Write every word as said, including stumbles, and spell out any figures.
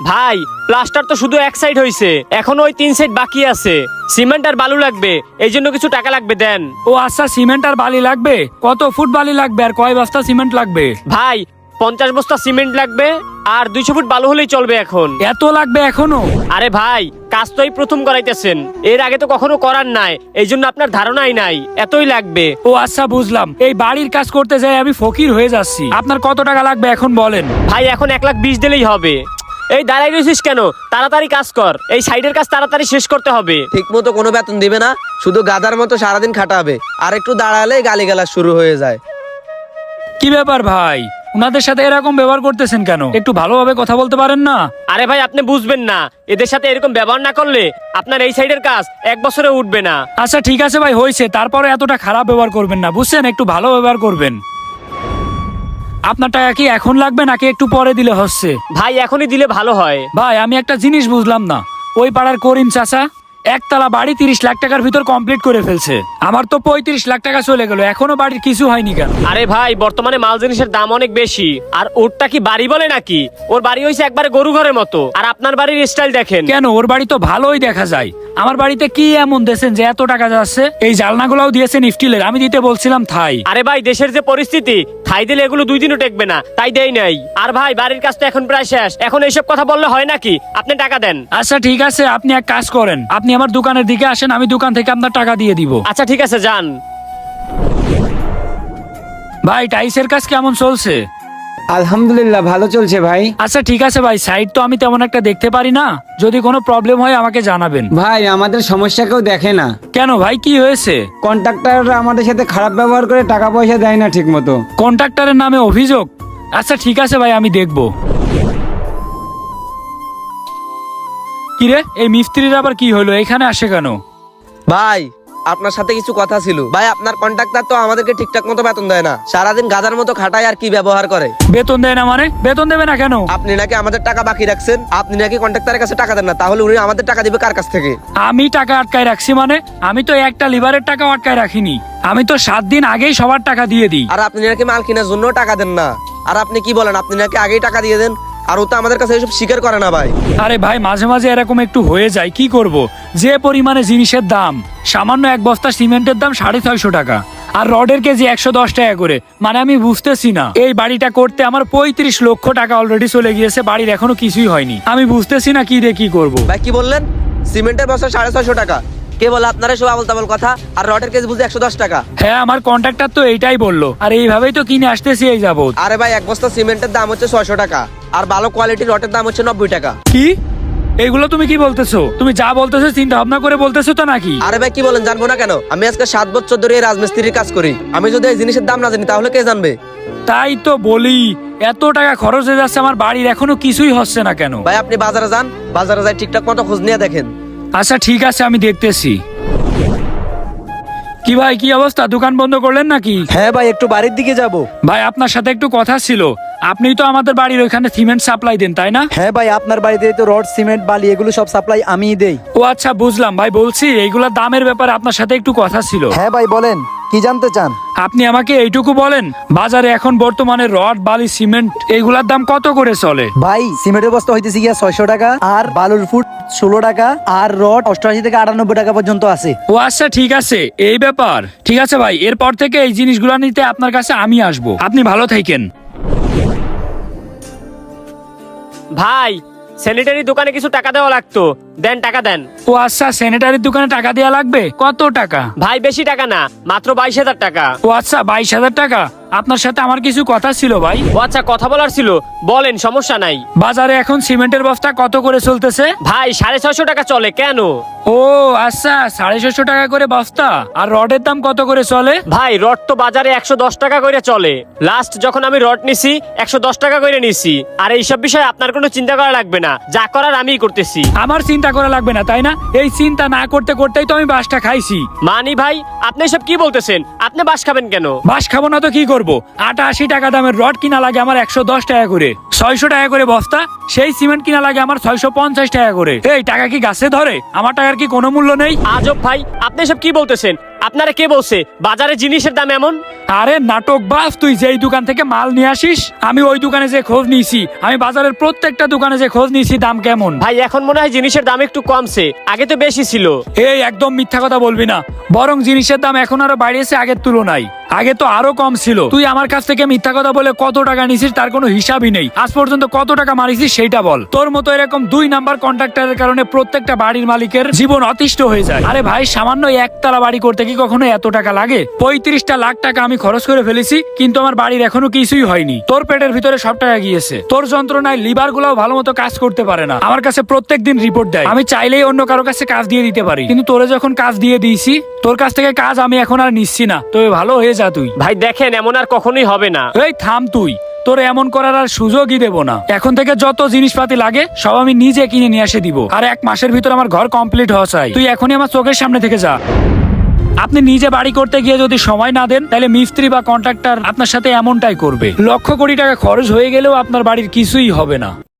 ভাই প্লাস্টার তো শুধু এক সাইড হইছে, এখন ওই তিন সাইড বাকি আছে। সিমেন্ট আর বালু লাগবে, এই জন্য কিছু টাকা লাগবে দেন। ও আচ্ছা, সিমেন্ট আর বালি লাগবে। কত ফুট বালি লাগবে আর কয় বস্তা সিমেন্ট লাগবে? ভাই পঞ্চাশ বস্তা সিমেন্ট লাগবে আর দুইশো ফুট বালু হলেই চলবে এখন। এত লাগবে এখনো? আরে ভাই কাজ তো এই প্রথম করাইতেছেন, এর আগে তো কখনো করার নাই, এই জন্য আপনার ধারণাই নাই এতই লাগবে। ও আচ্ছা বুঝলাম। এই বাড়ির কাজ করতে যাই আমি ফকির হয়ে যাচ্ছি। আপনার কত টাকা লাগবে এখন বলেন? ভাই এখন এক লাখ বিশ দিলেই হবে। এই দাঁড়াই রয়েছিস কেন, তাড়াতাড়ি কাজ কর, এই সাইডের কাজ তাড়াতাড়ি শেষ করতে হবে। ঠিক মতো কোনো বেতন দিবে না, শুধু গাধার মতো সারাদিন খাটাবে, আর একটু দাঁড়ালেই গালিগালাজ শুরু হয়ে যায়। কি ব্যাপার ভাই, উনাদের সাথে এরকম ব্যবহার করতেছেন কেন? একটু ভালোভাবে কথা বলতে পারেন না? আরে ভাই আপনি বুঝবেন না, এদের সাথে এরকম ব্যবহার না করলে আপনার এই সাইডের কাজ এক বছরে উঠবে না। আচ্ছা ঠিক আছে ভাই, হয়েছে, তারপরে এতটা খারাপ ব্যবহার করবেন না, বুঝছেন? একটু ভালো ব্যবহার করবেন। আপনার টাকা কি এখন লাগবে নাকি একটু পরে দিলে হচ্ছে? ভাই এখনই দিলে ভালো হয়। ভাই আমি একটা জিনিস বুঝলাম না, ওই পাড়ার করিম চাচা একতলা বাড়ি তিরিশ লাখ টাকার ভিতর কমপ্লিট করে ফেলছে, আমার তো পঁয়ত্রিশ লাখ টাকা চলে গেল, এখনো বাড়ির কিছু হয়নি কেন? আরে ভাই বর্তমানে মাল জিনিসের দাম অনেক বেশি, আর ওরটা কি বাড়ি বলে নাকি? ওর বাড়ি হয়েছে একবারে গরু ঘরের মতো, আর আপনার বাড়ির স্টাইল দেখেন। কেন, ওর বাড়ি তো ভালোই দেখা যায়। আমার বাড়িতে কি এমন দিয়েছেন যে এত টাকা যাচ্ছে? এই জালনাগুলাও দিয়েছেন স্টিলের, আমি দিতে বলছিলাম থাই। আরে ভাই দেশের যে পরিস্থিতি, থাই দিলে এগুলো দুই দিনও টেকবে না, তাই দেই নাই। আর ভাই বাড়ির কাজ তো এখন প্রায় শেষ, এখন এইসব কথা বললে হয় নাকি? আপনি টাকা দেন। আচ্ছা ঠিক আছে, আপনি এক কাজ করেন, আপনি আমার দোকানের দিকে আসেন, আমি দোকান থেকে আপনার টাকা দিয়ে দিব। আচ্ছা ঠিক আছে যান। ভাই টাইসের কাজ কেমন চলছে? আলহামদুলিল্লাহ ভালো চলছে ভাই। আচ্ছা ঠিক আছে ভাই, সাইড তো আমি তেমন একটা দেখতে পারি না, যদি কোনো প্রবলেম হয় আমাকে জানাবেন। ভাই আমাদের সমস্যা কেউ দেখে না। কেন ভাই, কি হয়েছে? কন্ট্রাক্টররা আমাদের সাথে খারাপ ব্যবহার করে টাকা পয়সা দেয় না ঠিক মতো। কন্ট্রাক্টরের নামে অভিযোগ? আচ্ছা ঠিক আছে ভাই, আমি দেখব। কিরে, এই মিস্ত্রির আবার কি হলো, এখানে আসে কেন? ভাই আপনার সাথে কিছু কথা ছিল। ভাই আপনার কন্ট্রাক্টর তো আমাদেরকে ঠিকঠাক মতো বেতন দেয় না, সারাদিন গাধার মতো খাটায় আর কি ব্যবহার করে। বেতন দেয় না মানে? বেতন দেবে না কেন? আপনি নাকি আমাদের টাকা বাকি রাখছেন, আপনি নাকি কন্ট্রাক্টরের কাছে টাকা দেন না, তাহলে উনি আমাদের টাকা দিবে কার কাছ থেকে? আমি টাকা আটকায় রাখছি মানে? আমি তো একটা লিভারের টাকা আটকায় রাখিনি, আমি তো সাত দিন আগেই সবার টাকা দিয়ে দিই। আর আপনি নাকি মাল কেনার জন্য টাকা দেন না, আর আপনি কি বলেন, আপনি নাকি আগেই টাকা দিয়ে দেন, আর ও তো আমাদের কাছে এসব স্বীকার করে না ভাই। আরে ভাই মাঝে মাঝে এরকম একটু হয়ে যায়, কি করব? যে পরিমাণে জিনিসের দাম, সামান্য এক বস্তা সিমেন্টের দাম সাড়ে ছয়শো টাকা, আর রডের কেজি একশো দশ টাকা করে, মানে আমি বুঝতেছি না, এই বাড়িটা করতে আমার পঁয়ত্রিশ লক্ষ টাকা অলরেডি চলে গিয়েছে, বাড়ির এখনো কিছুই হয়নি, আমি বুঝতেছি না কি দিয়ে কি করব। ভাই কি বললেন? সিমেন্টের বস্তা সাড়ে ছয়শো টাকা? কে বলে আপনারা সব আবল তাবল কথা? আর রডের কেজি বুঝে একশো দশ টাকা? হ্যাঁ আমার কন্ট্রাক্টর তো এইটাই বললো, আর এইভাবেই তো কিনে আসতেছি এই যাবত। আরে ভাই এক বস্তা সিমেন্টের দাম হচ্ছে ছয়শো টাকা, আর ভালো কোয়ালিটির রডের দাম হচ্ছে নব্বই টাকা। কি এইগুলো তুমি কি বলতেছো? তুমি যা বলতেছো চিন্তা ভাবনা করে বলতেছো তো নাকি? আরে ভাই কি বলেন, জানবো না কেন? আমি আজকে সাত বছর ধরে এই রাজমিস্ত্রির কাজ করি, আমি যদি এই জিনিসের দাম না জানি তাহলে কে জানবে? তাই তো বলি, এত টাকা খরচ হয়ে যাচ্ছে, আমার বাড়ির এখনো কিছুই হচ্ছে না কেন? ভাই আপনি বাজারে যান, বাজারে যাই ঠিকঠাক মতো খোঁজ নিয়ে দেখেন। আচ্ছা ঠিক আছে, আমি দেখতেছি। কি ভাই, কি অবস্থা, দোকান বন্ধ করলেন নাকি? হ্যাঁ ভাই, একটু বাড়ির দিকে যাব। ভাই আপনার সাথে একটু কথা ছিল, আপনি তো আমাদের বাড়ির ওইখানে সিমেন্ট সাপ্লাই দেন তাই না? হ্যাঁ ভাই, আপনার বাড়িতে তো রড, সিমেন্ট, বালি এগুলো সব সাপ্লাই আমিই দেই। ও আচ্ছা বুঝলাম ভাই, বলছি এইগুলোর দামের ব্যাপারে আপনার সাথে একটু কথা ছিল। হ্যাঁ ভাই বলেন, কি জানতে চান? আপনি আমাকে এইটুকু বলেন, বাজারে এখন বর্তমানে রড, বালি, সিমেন্ট এইগুলার দাম কত করে চলে? ভাই সিমেন্টের বস্তা হইতেছে গিয়া ছয়শো টাকা, আর বালুর ফুট ষোলো টাকা, আর রড অষ্টআশি থেকে আটানব্বই টাকা পর্যন্ত আছে। ও আচ্ছা ঠিক আছে, এই ব্যাপার। ঠিক আছে ভাই, এরপর থেকে এই জিনিসগুলো নিতে আপনার কাছে আমি আসবো, আপনি ভালো থাকেন। ভাই স্যানিটারি দোকানে কিছু টাকা দেওয়া লাগতো, দেন টাকা দেন। ও আচ্ছা, স্যানিটারির দোকানে টাকা দেওয়া লাগবে, কত টাকা? ভাই বেশি টাকা না, মাত্র বাইশ হাজার টাকা। ও আচ্ছা, বাইশ হাজার টাকা। আপনার সাথে আমার কিছু কথা ছিল ভাই। ও আচ্ছা কথা বলার ছিল, বলেন, সমস্যা নাই। বাজারে এখন সিমেন্টের বস্তা কত করে চলতেছে? ভাই সাড়ে ছয়শো টাকা চলে। কেন? ও আচ্ছা, সাড়ে ছয়শো টাকা করে বস্তা। আর রডের দাম কত করে চলে? ভাই রড তো বাজারে একশো দশ টাকা করে চলে, লাস্ট যখন আমি রড নিছি একশো দশ টাকা করে নিছি। আর এইসব বিষয়ে আপনার কোনো চিন্তা করা লাগবে না, যা করার আমিই করতেছি। আমার চিন্তা করা লাগবে না তাই না? এই চিন্তা না করতে করতেই তো আমি বাসটা খাইছি। মানি ভাই আপনি সব কি বলতেছেন? আপনি বাস খাবেন কেন? বাস খাবো না তো কি করবো? আটা আশি টাকা দামের রড কিনা লাগে আমার একশো দশ টাকা করে, ছয়শো টাকা করে বস্তা। সেই সিমেন্ট কিনা লাগে আমার ছয়শো পঞ্চাশ টাকা করে। এই টাকা কি গাছে ধরে? আমার টাকার কি কোনো মূল্য নেই? আজব ভাই, আপনি সব কি বলতেছেন? আপনারা কে বলছে বাজারে জিনিসের দাম এমন? আরে নাটক বাস, তুই যেই দোকান থেকে মাল নিয়ে আসিস আমি ওই দোকানে যে খোঁজ নিয়েছি, আমি বাজারের প্রত্যেকটা দোকানে যে খোঁজ নিয়েছি দাম কেমন। ভাই এখন মনে হয় জিনিসের দাম একটু কমছে, আগে তো বেশি ছিল। এই একদম মিথ্যা কথা বলবি না, বরং জিনিসের দাম এখন আরো বাড়িয়েছে আগের তুলনায়। আগে তো আরো কম ছিল। তুই আমার কাছ থেকে মিথ্যা কথা বলে কত টাকা নিছিস তার কোনো হিসাবই নেই। আজ পর্যন্ত কত টাকা মারিছিস সেইটা বল। তোর মতো এরকম দুই নাম্বার কন্ট্রাক্টরের কারণে প্রত্যেকটা বাড়ির মালিকের জীবন অতিষ্ঠ হয়ে যায়। আরে ভাই, সামান্য একতলা বাড়ি করতে কি কখনো এত টাকা লাগে? পঁয়ত্রিশটা লাখ টাকা আমি খরচ করে ফেলেছি, কিন্তু আমার বাড়ির এখনো কিছুই হয়নি। তোর পেটের ভিতরে সব টাকা গিয়েছে। তোর যন্ত্রণায় লিভার গুলাও ভালো মতো কাজ করতে পারে না। আমার কাছে প্রত্যেক দিন রিপোর্ট দেয়। আমি চাইলেই অন্য কারো কাছে কাজ দিয়ে দিতে পারি, কিন্তু তোরে যখন কাজ দিয়ে দিয়েছি, তোর কাছ থেকে কাজ আমি এখন আর নিচ্ছি না। তবে ভালো হয়ে যা তুই। ভাই দেখেন, এমন আর কখনোই হবে না। এই থাম তুই, তোর এমন করার আর সুযোগই দেব না। এখন থেকে যত জিনিসপাতি লাগে সব আমি নিজে কিনে নিয়ে এসে দিব। আর এক মাসের ভিতর আমার ঘর কমপ্লিট হওয়া চাই। তুই এখনই আমার চোখের সামনে থেকে যা। আপনি নিজে বাড়ি করতে গিয়ে যদি সময় না দেন, তাহলে মিস্ত্রি বা কন্ট্রাক্টর আপনার সাথে এমনটাই করবে। লক্ষ কোটি টাকা খরচ হয়ে গেলেও আপনার বাড়ির কিছুই হবে না।